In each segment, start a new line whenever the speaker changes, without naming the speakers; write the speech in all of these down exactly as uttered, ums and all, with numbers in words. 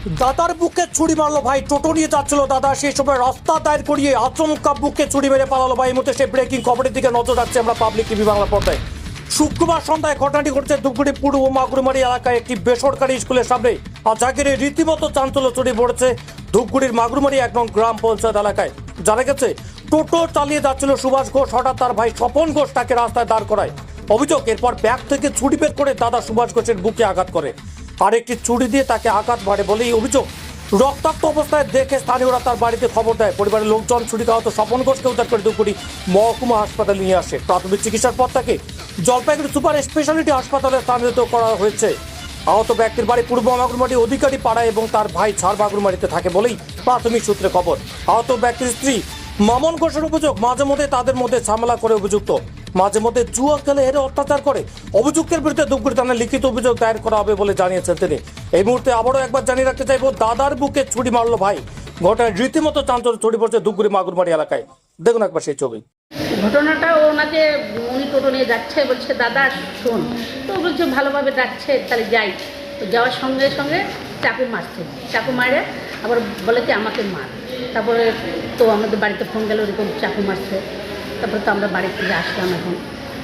দাদার বুকে ছুরি মারলো ভাই, টোটো নিয়ে যাচ্ছিল দাদা, সেই সময় রাস্তা দায়ের করিয়ে আচমকা বুকে ছুরি মেরে পালালো ভাই। এই মুহূর্তে সেই ব্রেকিং খবরের দিকে নজর রাখছি আমরা পাবলিক টিভি বাংলা পর্দায়। শুক্রবার সন্ধ্যায় ঘটনাটি ঘটছে ধূপগুড়ি পূর্ব মাগুরমারি এলাকায় একটি বেসরকারি স্কুলের সামনে। আর জাগিরে রীতিমতো চাঞ্চল্য ছড়িয়ে পড়েছে ধূপগুড়ির মাগুরমারি এক নং গ্রাম পঞ্চায়েত এলাকায়। জানা গেছে টোটো চালিয়ে যাচ্ছিল সুভাষ ঘোষ, হঠাৎ তার ভাই স্বপন ঘোষ তাকে রাস্তায় দাঁড় করায়। অভিযোগ, এরপর ব্যাগ থেকে ছুরি বের করে দাদা সুভাষ ঘোষের বুকে আঘাত করে, আর একটি ছুরি দিয়ে তাকে আঘাত মারে বলেই অভিযোগ। রক্তাক্ত অবস্থায় দেখে স্থানীয়রা তার বাড়িতে খবর দেয়। পরিবারের লোকজন ছুরিকাহত স্বপন ঘোষকে উদ্ধার করে ধূপগুড়ি মহকুমা হাসপাতালে নিয়ে আসে। প্রাথমিক চিকিৎসার পর তাকে জলপাইগুড়ি সুপার স্পেশালিটি হাসপাতালে স্থানান্তরিত করা হয়েছে। আহত ব্যক্তির বাড়ি পূর্ব মাগুরমারি অধিকারী পাড়া এবং তার ভাই ঝাড় মাগুরমারিতে থাকে বলেই প্রাথমিক সূত্রে খবর। আহত ব্যক্তির স্ত্রী মামন ঘোষের অভিযোগ, মাঝে মধ্যে তাদের মধ্যে ঝামেলা করে অভিযুক্ত, মাঝে মধ্যে জুয়া খেলে হেরে অত্যাচার করে। অভিযুক্তের বিরুদ্ধে ধূপগুড়ি থানায় লিখিত অভিযোগ দায়ের করা হবে বলে জানিয়েছেন তিনি। এই মুহূর্তে আবারও একবার জানিয়ে রাখতে চাইবো, দাদার বুকে ছুরি মারলো ভাই। ঘটনায় রীতিমতো চাঞ্চল্য ছড়িয়ে পড়ছে ধূপগুড়ি মাগুরমারি এলাকায়। দেখুন একবার সেই ছবি।
ঘটনাটা ওনাকে উনি টোটো নিয়ে যাচ্ছে, বলছে দাদা শোন, তো বলছে ভালোভাবে ডাকছে তাহলে যাই। তো যাওয়ার সঙ্গে সঙ্গে চাকু মারছে, চাকু মারে আবার বলে কি আমাকে মার। তারপরে তো আমাদের বাড়িতে ফোন গেল এরকম চাকু মারছে। তারপরে তো আমরা বাড়ি থেকে আসলাম। এখন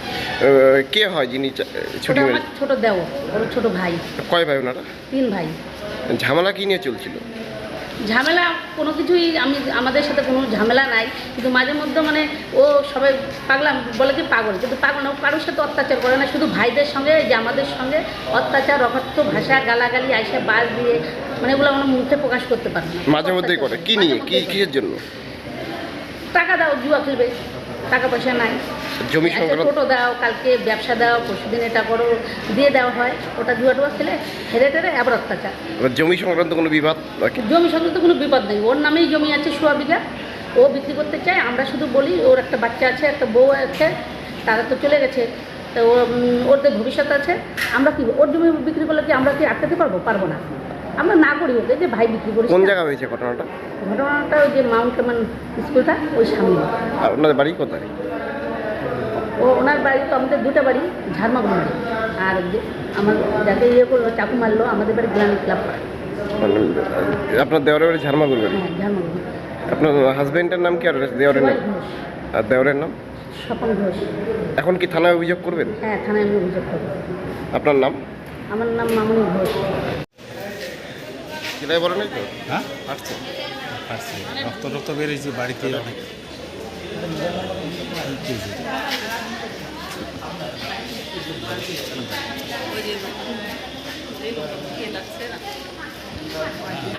কে হয় যিনি ছুটি
আমার ছোটো দেও, ওর ছোটো ভাই।
কয় ভাই ওনারা?
তিন ভাই।
ঝামেলা কি নিয়ে চলছিল?
ঝামেলা কোনো কিছুই, আমি আমাদের সাথে কোনো ঝামেলা নাই, কিন্তু মাঝে মধ্যে মানে ও সবাই পাগলাম বলে কি পাগল, কিন্তু পাগল না, ও কারোর সাথে অত্যাচার করে না, শুধু ভাইদের সঙ্গে যে আমাদের সঙ্গে অত্যাচার, অকথ্য ভাষা, গালাগালি, আইসা বাস দিয়ে, মানে এগুলো আমরা মুখে প্রকাশ করতে পারি না।
মাঝে মধ্যেই করে কি নিয়ে, কি কিসের জন্য?
টাকা দাও, জুয়া খেলবে, টাকা পয়সা নাই,
জমি সংক্রান্ত
টোটো দাও, কালকে ব্যবসা দাও, পরশুদিন এটা করো, দিয়ে দেওয়া হয়, ওটা জুয়া টুয়া খেলে হেরে টেরে আবার অত্যাচার।
জমি সংক্রান্ত কোনো বিবাদ?
জমি সংক্রান্ত কোনো বিপদ নেই, ওর নামেই জমি আছে সোয়া বিঘা, ও বিক্রি করতে চায়। আমরা শুধু বলি ওর একটা বাচ্চা আছে, একটা বউ আছে, তারা তো চলে গেছে, তো ওদের ভবিষ্যৎ আছে। আমরা কি ওর জমি বিক্রি করলে কি আমরা কি আটকাতে পারবো? পারবো না। আমরা না করি ওকে, যে ভাই বিক্রি করি।
কোন জায়গা হয়েছে ঘটনাটা?
ঘটনাটা ওই যে মাউন্ট কেমন স্কুলটা, ওই সামনে।
আর ওনাদের বাড়ি কোথায়?
ও ওনার বাড়ি তো আমাদের দুটো বাড়ি, ঝাড়মাগুড়ি, আর আমার যাকে ইয়ে করলো চাকু মারলো আমাদের বাড়ি গ্রামী ক্লাব পাড়া।
আপনার দেওয়ারের বাড়ি ঝাড়মাগুড়ি?
হ্যাঁ, ঝাড়মাগুড়ি।
আপনার হাজবেন্ডের নাম কি আর দেওয়ারের নাম? আর দেওয়ারের নাম?
স্বপন ঘোষ।
এখন কি থানায় অভিযোগ করবেন?
হ্যাঁ, থানায় আমি অভিযোগ করবো।
আপনার নাম?
আমার নাম মামনি ঘোষ।
সেটাই বলেন তো?
হ্যাঁ পারছে পারছে রক্ত রক্ত বেরিয়েছে বাড়িতে অনেক। কি হয়েছে?